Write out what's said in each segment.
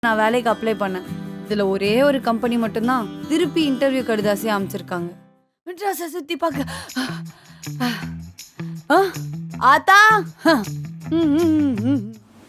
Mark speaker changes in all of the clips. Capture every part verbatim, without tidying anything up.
Speaker 1: நான் வேலைக்கு அப்ளை பண்ணேன். இதுல ஒரே ஒரு கம்பெனி மட்டும்தான் திருப்பி இன்டர்வியூ கடிதாசி அமைச்சிருக்காங்க. மெட்ராஸை சுத்தி பார்க்க ஆ, ஆத்தா ம், ம், ம்,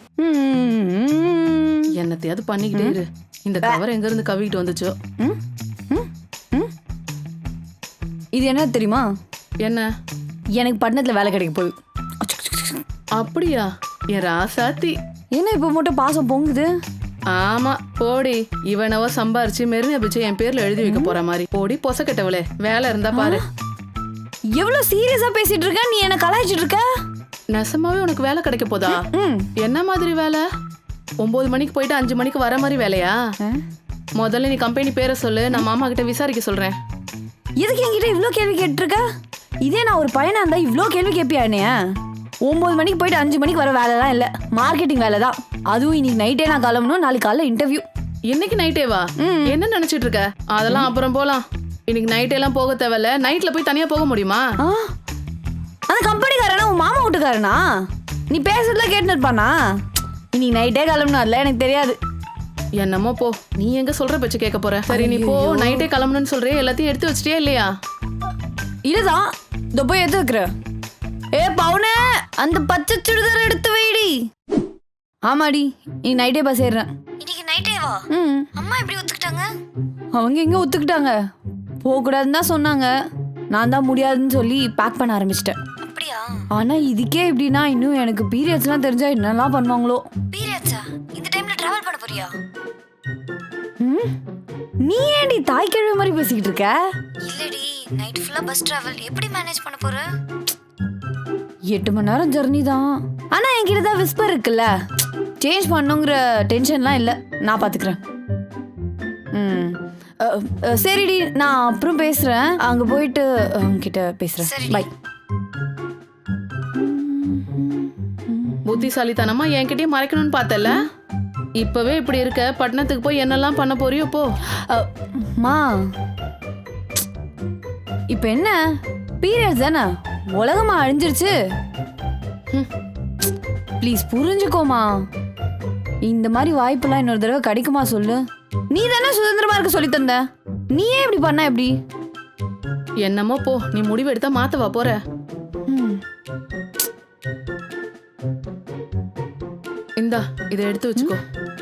Speaker 1: ம்.
Speaker 2: என்னத்தையாவது பண்ணிக்கிட்டே இரு. இந்த கவர் எங்க இருந்து கவிக்கிட்டு வந்துச்சோ.
Speaker 1: ம், ம், ம். இது என்ன தெரியுமா?
Speaker 2: என்ன?
Speaker 1: எனக்கு பட்டணத்துல வேலை கிடைக்க போகுது.
Speaker 2: அப்படியா? என் ராசாத்தி.
Speaker 1: என்ன இப்ப மட்டும் பாசம் பொங்குது?
Speaker 2: ஆமா போடி. இவனவ சம்பாரிச்சு மெரினா பிச்சு என் பேர்ல எழுதி வைக்க போற மாதிரி. போடி பொச கெட்டவளே, வேலை இருந்தா பாரு.
Speaker 1: எவ்வளவு சீரியஸா பேசிட்டு இருக்க? நீ என்ன கலாய்ச்சிட்டு இருக்க?
Speaker 2: நெசமாவே உனக்கு வேலை கிடைக்க போதா?
Speaker 1: ம்.
Speaker 2: என்ன மாதிரி வேலை? ஒன்பது மணிக்கு போயிட்டு அஞ்சு மணிக்கு வர மாதிரி வேலையா? முதல்ல நீ கம்பெனி பேரை சொல்லு, நான் மாமா கிட்ட விசாரிக்க சொல்றேன்.
Speaker 1: எதுக்கு என்கிட்ட இவ்ளோ கேள்வி கேட்டுருக்க? இதே நான் ஒரு பையனா இருந்தா இவ்ளோ கேள்வி கேட்பியா என்னைய? ஒன்பது மணிக்கு போயிட்டு அஞ்சு மணிக்கு வர வேலைலாம் இல்ல, மார்க்கெட்டிங் வேலை தான். அதுவும் இன்னைக்கு நைட்டே நான் கிளம்பணும், நாளைக்கு காலைல இன்டர்வியூ.
Speaker 2: இன்னைக்கு நைட்டே வா? என்ன நினைச்சிட்டு இருக்க? அதெல்லாம் அப்புறம் போலாம். இன்னைக்கு நைட் எல்லாம் போக தேவையில்ல. நைட்ல போய் தனியா போக முடியுமா?
Speaker 1: அந்த கம்பெனிக்காரனா உன் மாமா வீட்டுக்காரனா? நீ பேசுறதுல கேட்டு இருப்பானா? இன்னைக்கு நைட்டே கிளம்பணும், அதுல எனக்கு தெரியாது.
Speaker 2: என்னமோ போ, நீ எங்க சொல்ற பேச்சு கேட்க போற? சரி நீ போ, நைட்டே கிளம்பணும்னு சொல்றே, எல்லாத்தையும் எடுத்து வச்சிட்டியா இல்லையா?
Speaker 1: இதுதான் இதோ போய் எடுத்து வைக்கிற. ஏ பவுனே, அந்த பச்சை சுடிதார் எடுத்து வைடி. ஆமாடி, நீ நைட்டே பஸ் ஏறுறேன்.
Speaker 3: இன்னைக்கு நைட்டே வா?
Speaker 1: ம்.
Speaker 3: அம்மா எப்படி ஒத்துக்கிட்டாங்க?
Speaker 1: அவங்க எங்க ஒத்துக்கிட்டாங்க? போகக்கூடாதுன்னு தான் சொன்னாங்க. நான் தான் முடியாதுன்னு சொல்லி பேக் பண்ண ஆரம்பிச்சிட்டேன்.
Speaker 3: அப்படியா?
Speaker 1: ஆனா இதுக்கே எப்படின்னா இன்னும் எனக்கு பீரியட்ஸ்லாம் தெரிஞ்சா என்னெல்லாம் பண்ணுவாங்களோ.
Speaker 3: பீரியட்ஸா? இந்த டைம்ல டிராவல் பண்ண போறியா?
Speaker 1: ம்? நீ ஏன்டி தாய் கிழவி மாதிரி பேசிக்கிட்டு இருக்க?
Speaker 3: இல்லடி, நைட் ஃபுல்லா பஸ் டிராவல் எப்படி மேனேஜ் பண்ண போற?
Speaker 1: எட்டு மணி நேரம் ஜர்னி தான். ஆனா என்கிட்ட தான் விஸ்பர் இருக்குல்ல, சேஞ்ச் பண்ணுங்கிற டென்ஷன்லாம் இல்லை, நான் பாத்துக்கிறேன். ம் அ, அ, சரிடி, நான் அப்புறம் பேசுறேன். அங்க போயிட்டு உங்ககிட்ட பேசுறேன்.
Speaker 3: சரிடி.
Speaker 1: பை.
Speaker 2: புத்திசாலித்தனமா என்கிட்டயும் மறைக்கணும்னு பார்த்தல. இப்பவே இப்படி இருக்க, பட்டணத்துக்கு போய் என்னெல்லாம் பண்ண போறியோ போ.
Speaker 1: மா, இப்ப என்ன பீரியட்ஸ் தானே, உலகமா அழிஞ்சிருச்சு. ப்ளீஸ் புரிஞ்சுக்கோமா. இந்த மாதிரி வாய்ப்பெல்லாம் இன்னொரு தடவை கிடைக்குமா சொல்லு? நீ தானே சுதந்திரமா இருக்க சொல்லி தந்த. நீ ஏன் இப்படி பண்ண? எப்படி?
Speaker 2: என்னமோ போ, நீ முடிவு எடுத்தா மாத்தவா போற?
Speaker 1: ம்.
Speaker 2: இந்தா இதை எடுத்து வச்சுக்கோ.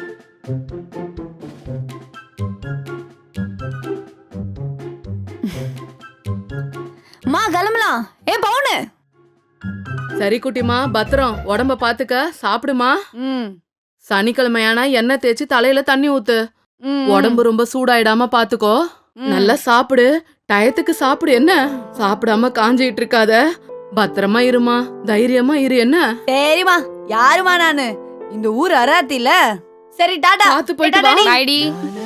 Speaker 1: மா கிளம்பலாம். ஏ பவுனு.
Speaker 2: சரி குட்டிமா, பத்திரம். உடம்ப பாத்துக்க, சாப்பிடுமா.
Speaker 1: ம்.
Speaker 2: சனிக்கிழமையானா எண்ணெய் தேய்ச்சி தலையில தண்ணி ஊத்து.
Speaker 1: ம்.
Speaker 2: உடம்பு ரொம்ப சூடாயிடாம பாத்துக்கோ. நல்லா சாப்பிடு, டயத்துக்கு சாப்பிடு. என்ன சாப்பிடாம காஞ்சிட்டு இருக்காத. பத்திரமா இருமா, தைரியமா இரு. என்ன?
Speaker 1: சரிம்மா, யாருமா நானு? இந்த ஊர் அராத்தில. சரி டாடா.
Speaker 2: பாத்து போயிட்டு வா.
Speaker 1: Tata D.